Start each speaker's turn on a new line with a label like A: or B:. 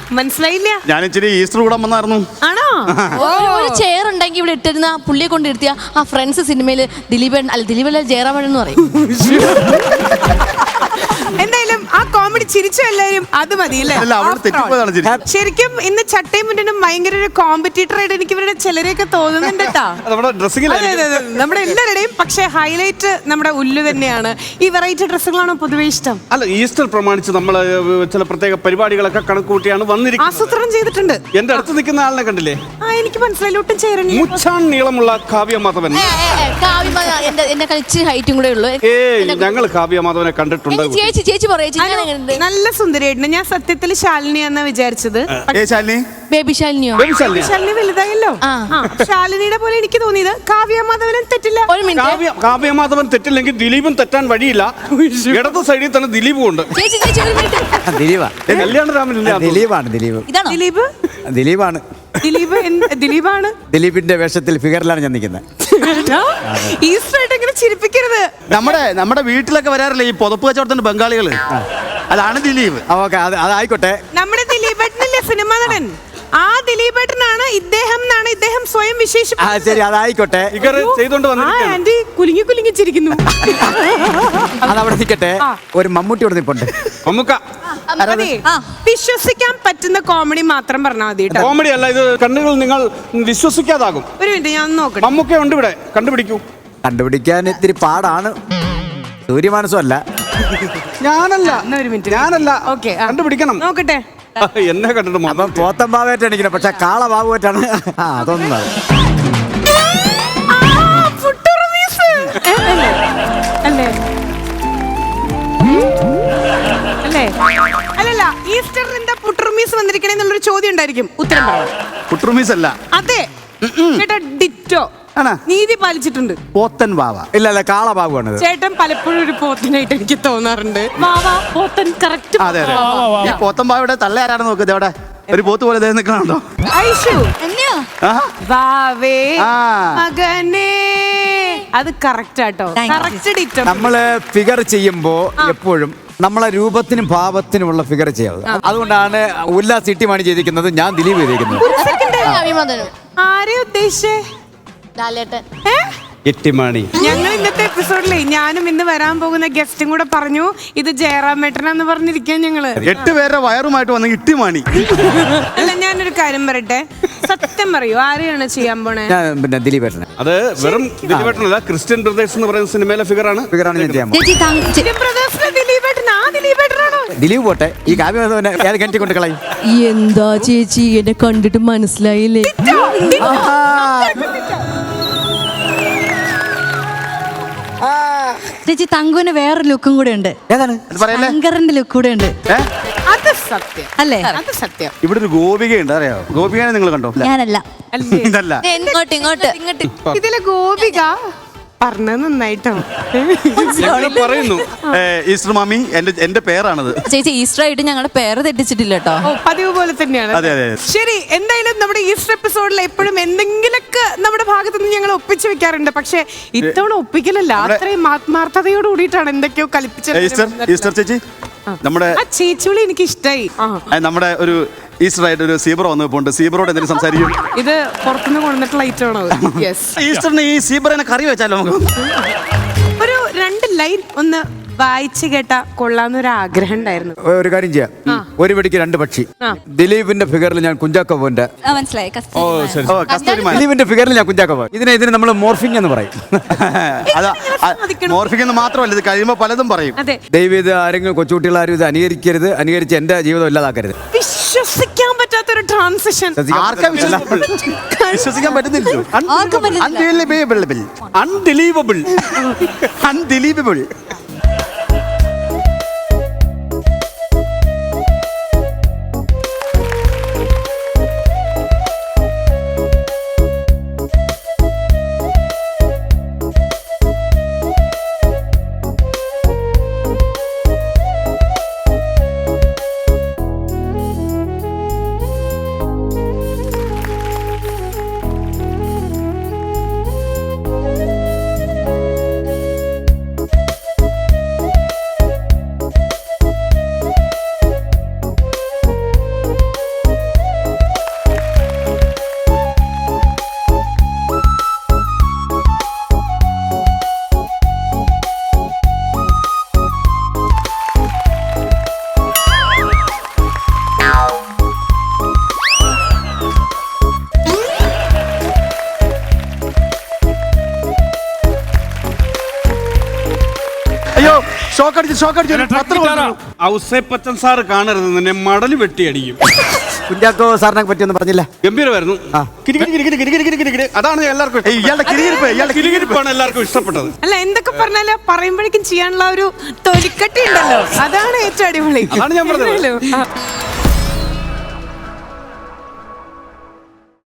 A: മനസ്സിലായില്ല.
B: ഞാൻ ഇച്ചിരി ഈസ്റ്റർ കൂടാൻ വന്നായിരുന്നു.
A: ആണോ?
C: ഒരു ചെയർ ഉണ്ടെങ്കിൽ ഇവിടെ ഇട്ടിരുന്ന പുള്ളിയെ കൊണ്ട് ഇരുത്തിയ ആ ഫ്രണ്ട്സ് സിനിമയില് ദിലീപൻ ജയറാമൻ എന്ന് പറയും.
A: എന്തായാലും ആ കോമഡി ചിരിച്ചു എല്ലാരും, അത് മതിയല്ലേ? ശരിക്കും ഇന്ന് ചട്ടയും മുന്നനും ഭയങ്കര ഒരു കോമ്പറ്റീറ്റർ ആയിട്ട് എനിക്ക് ഇവരുടെ ചിലരെയൊക്കെ തോന്നുന്നുണ്ട് കേട്ടോ. നമ്മുടെ എല്ലാവരുടെയും. പക്ഷെ ഹൈലൈറ്റ് നമ്മുടെ ഉല്ലു തന്നെയാണ്. ഈ വെറൈറ്റി ഡ്രസ്സുകളാണോ പൊതുവെ ഇഷ്ടം?
D: അല്ല, ഈസ്റ്റർ പ്രമാണിച്ച് നമ്മൾ ചില പ്രത്യേക പരിപാടികളൊക്കെ കണക്കൂട്ടിയാണ് വന്നിരിക്കുന്നത്.
A: ആസൂത്രണം ചെയ്തിട്ടുണ്ട്.
D: എന്റെ അടുത്ത് നിൽക്കുന്ന ആളിനെ കണ്ടില്ലേ?
A: എനിക്ക് മനസ്സിലായില്ല. ഒട്ടും ചേരൻ
D: മുച്ചാൻ നീളമുള്ള കാവ്യ മാധവൻ.
C: എന്റെ ഇച്ചിരി ഹൈറ്റും കൂടെ ഉള്ളു.
D: ഞങ്ങൾ കാവ്യ മാധവനെ കണ്ടിട്ടുണ്ട്.
C: ചേച്ചി പറയേ,
A: നല്ല സുന്ദരിയായിട്ടുണ്ട്. ഞാൻ സത്യത്തിൽ ശാലിനിയാന്നാ വിചാരിച്ചത്.
C: ബേബി ശാലിനിയോ?
A: ശാലിനി വലുതായല്ലോ. ശാലിനിയുടെ പോലെ എനിക്ക് തോന്നിയത്. കാവ്യ മാധവനും തെറ്റില്ല.
C: ഒരു മിനിറ്റ്,
D: കാവ്യ മാധവൻ തെറ്റില്ലെങ്കിൽ ദിലീപും തെറ്റാൻ വഴിയില്ല. ഇടത് സൈഡിൽ തന്നെ ദിലീപും ഉണ്ട്.
A: ദിലീപാണ്.
E: ദിലീപിന്റെ വേഷത്തിൽ ഫിഗറിലാണ് ഞാൻ നിൽക്കുന്നത്.
A: ഈസ്റ്ററായിട്ട് ഇങ്ങനെ ചിരിപ്പിക്കരുത്.
B: നമ്മുടെ വീട്ടിലൊക്കെ വരാറില്ലേ ഈ പുതപ്പ് കച്ചവടത്തിന്റെ ബംഗാളികള്, അതാണ് ദിലീപ്.
E: അതായിക്കോട്ടെ.
A: നമ്മുടെ ദിലീപേട്ടനല്ലേ സിനിമ നടൻ? ആ ദിലീപേട്ടനാണ് ഇദ്ദേഹം എന്നാണ് ഇദ്ദേഹം സ്വയം വിശേഷിപ്പിച്ചത്.
E: ശരി, അതായിക്കോട്ടെ.
A: ആന്റി കുലുങ്ങി കുലുങ്ങി ചിരിക്കുന്നു.
E: അതവിടെ നിൽക്കട്ടെ. ഒരു മമ്മൂട്ടി ഇവിടെ നിൽപ്പുണ്ട്.
A: വിശ്വസിക്കാൻ പറ്റുന്ന കോമഡി മാത്രം പറഞ്ഞാൽ മതി.
D: കോമഡി അല്ല ഇത്, കണ്ണുകൾ നിങ്ങൾ വിശ്വസിക്കാതാകും.
A: ഒരു മിനിറ്റ്, ഞാൻ നോക്കട്ടെ.
D: മമ്മൂക്ക ഉണ്ട് ഇവിടെ,
E: കണ്ടുപിടിക്കാൻ ഇത്തിരി പാടാണ്. സൂര്യമാനസമല്ല.
D: ഞാനല്ല.
A: ഓക്കെ,
D: കണ്ടുപിടിക്കണം.
A: നോക്കട്ടെ.
D: എന്നെ കണ്ടിട്ട്
E: അപ്പം പോത്തമ്പാവായിട്ട് എണിക്കണം. പക്ഷെ കാളബാബുവായിട്ടാണ്. അതൊന്നും
A: അല്ലല്ല, ഈസ്റ്ററിന്റെ പുട്ടുറുമീസ് വന്നിരിക്കണെന്നുള്ളൊരു ചോദ്യം ഉണ്ടായിരിക്കും. ഉത്തരം
B: പുട്ടുറുമീസ് അല്ല.
A: അതെ ചേട്ടാ, ഡിറ്റോ. നീതി പാലിച്ചിട്ടുണ്ട്.
B: പോത്തൻ വാവ.
E: ഇല്ല, കാളബാബുവാണ്.
A: ചേട്ടൻ പലപ്പോഴും ഒരു പോത്തനായിട്ട് എനിക്ക് തോന്നാറുണ്ട്. വാവാ പോത്തൻ കറക്റ്റ്.
B: അതെ അതെ, ഈ പോത്തൻ വാവയുടെ തള്ള ആരാണ് നോക്കുന്നത്? അവിടെ ഒരു പോത്ത് പോലെ നിൽക്കണോ?
A: ഐഷു വാവേ മകനേ, അത് കറക്റ്റ് ആട്ടോ. Correct ditto.
E: നമ്മള് ഫിഗർ ചെയ്യുമ്പോ എപ്പോഴും നമ്മളെ രൂപത്തിനും ഭാവത്തിനുമുള്ള ഫിഗർ ചെയ്യാവും. അതുകൊണ്ടാണ് ഉല്ലാസ് ഇട്ടിമാണി ചെയ്തിരിക്കുന്നത്, ഞാൻ ദിലീപ് ചെയ്തിരിക്കുന്നത്.
A: ആരെ ഉദ്ദേശിച്ചേ? ഞങ്ങൾ ഇന്നത്തെ എപ്പിസോഡിലെ ഞാനും ഇന്ന് വരാൻ പോകുന്ന ഗസ്റ്റും കൂടെ പറഞ്ഞു ഇത് ജയറാമേട്ടനാന്ന് പറഞ്ഞിരിക്കാൻ ഞങ്ങള്
B: 8 പേരുടെ വയറുമായിട്ട് വന്ന ഇട്ടിമാണി.
A: അല്ല, ഞാനൊരു കാര്യം പറയട്ടെ, സത്യം പറയൂ, ആരെയാണ് ചെയ്യാൻ പോണേ?
E: പിന്നെ ദിലീപേട്ടനെ.
D: അത് വെറും ദിലീപേട്ടനല്ല, ക്രിസ്ത്യൻ ബ്രദേഴ്സ് എന്ന് പറയുന്ന സിനിമയിലെ ഫിഗറാണ്
E: ഞാൻ ചെയ്യാൻ ദിലീപ് പോട്ടെ. ഈ കാവ്യമാധവനെ ഏത് കിണറ്റി കൊണ്ട് കളയും?
C: എന്താ ചേച്ചി, എന്നെ കണ്ടിട്ട് മനസ്സിലായില്ലേ? ചേച്ചി, തങ്കുവിന് വേറൊരു ലുക്കും കൂടെ ഉണ്ട്. ശങ്കറിന്റെ ലുക്ക് കൂടെ ഉണ്ട്.
A: അത് സത്യം
C: അല്ലേ?
A: അത് സത്യം.
B: ഇവിടെ ഒരു ഗോപികയുണ്ട്, അറിയാവോ? ഗോപികനെ നിങ്ങൾ കണ്ടോ?
C: ഞാനല്ല.
B: ഇതല്ല.
C: ഇങ്ങോട്ട്
A: ഇതിലെ ഗോപിക പറഞ്ഞത് നന്നായിട്ടോ
D: പറയുന്നു.
B: ഈസ്റ്റർ മാമി എന്റെ പേരാണത്.
C: ചേച്ചി, ഈസ്റ്റർ ആയിട്ട് ഞങ്ങളുടെ പേര് തെറ്റിച്ചിട്ടില്ല കേട്ടോ.
A: പതിവ് പോലെ തന്നെയാണ്. ശരി, എന്തായാലും നമ്മുടെ ഈസ്റ്റർ എപ്പിസോഡിൽ എപ്പോഴും എന്തെങ്കിലൊക്കെ നമ്മുടെ ഭാഗത്ത് നിന്ന് ഞങ്ങൾ ഒപ്പിച്ചു വെക്കാറുണ്ട്. പക്ഷെ ഇത്തവണ ഒപ്പിക്കലല്ല, അത്രയും ആത്മാർത്ഥതയോട് കൂടിയിട്ടാണ് എന്തൊക്കെയോ കൽപ്പിച്ചത്.
B: ഈസ്റ്റർ ചേച്ചി, നമ്മുടെ
A: ചേച്ചിവിളി എനിക്ക് ഇഷ്ടായി.
B: നമ്മുടെ ഒരു ഈസ്റ്റർ ആയിട്ട് ഒരു സീബ്ര വന്നപ്പോണ്ട്. സീബ്രോട് എന്തെങ്കിലും സംസാരിക്കും?
A: ഇത് പുറത്തുനിന്ന് കൊണ്ടുവന്നിട്ടുള്ള ഐറ്റമാണോ?
B: ഈസ്റ്ററിന് ഈ സീബ്രനെ കറി വെച്ചാലോ നമുക്ക്?
A: ഒരു 2 ലൈൻ ഒന്ന് വായിച്ചു കേട്ടാ കൊള്ളാന്നൊരു ആഗ്രഹം ഉണ്ടായിരുന്നു.
E: ഒരു കാര്യം ചെയ്യാം, ഒരു വെടിക്ക് 2 പക്ഷി. ദിലീപിന്റെ ഫിഗറിൽ ഞാൻ കുഞ്ചാക്കോന്റെ, ദിലീപിന്റെ ഫിഗറിൽ ഞാൻ കുഞ്ചാക്കോ. ഇതിന് നമ്മൾ മോർഫിംഗ് എന്ന് പറയും.
B: മോർഫിംഗ് എന്ന് മാത്രമല്ല, ഇത് കഴിയുമ്പോ പലതും പറയും.
E: ദയവ് ഇത് ആരെങ്കിലും കൊച്ചുകുട്ടികൾ ആരും ഇത് അനുകരിക്കരുത്. അനുകരിച്ച് എന്റെ ജീവിതം ഇല്ലാതാക്കരുത്.
A: വിശ്വസിക്കാൻ പറ്റാത്തൊരു ട്രാൻസിഷൻ.
B: വിശ്വസിക്കാൻ പറ്റുന്നില്ലല്ലോ. അൺബിലീവബിൾ. ഷോക്ക് അടിച്ചു പത്രം കൊടുത്തു.
D: ഔസേപ്പച്ചൻ സാറ് കാണരുത്, നിന്നെ മടല് വെട്ടിയടിക്കും.
E: കുഞ്ചാക്കോ സാറിനെ പറ്റിയൊന്നും പറഞ്ഞില്ല.
D: ഗംഭീരമായിരുന്നു. അതാണ് എല്ലാവർക്കും
B: ഏയ്, ഇയാളുടെ
D: കിരികിരിപ്പാണ് എല്ലാവർക്കും ഇഷ്ടപ്പെട്ടത്.
A: അല്ല എന്തൊക്കെ പറഞ്ഞാലും പറയുമ്പോഴേക്കും ചെയ്യാനുള്ള ഒരു തൊലിക്കട്ടി ഉണ്ടല്ലോ, അതാണ് ഏറ്റവും അടിപൊളി.
D: അതാണ് ഞാൻ പറഞ്ഞത്.
A: ആ.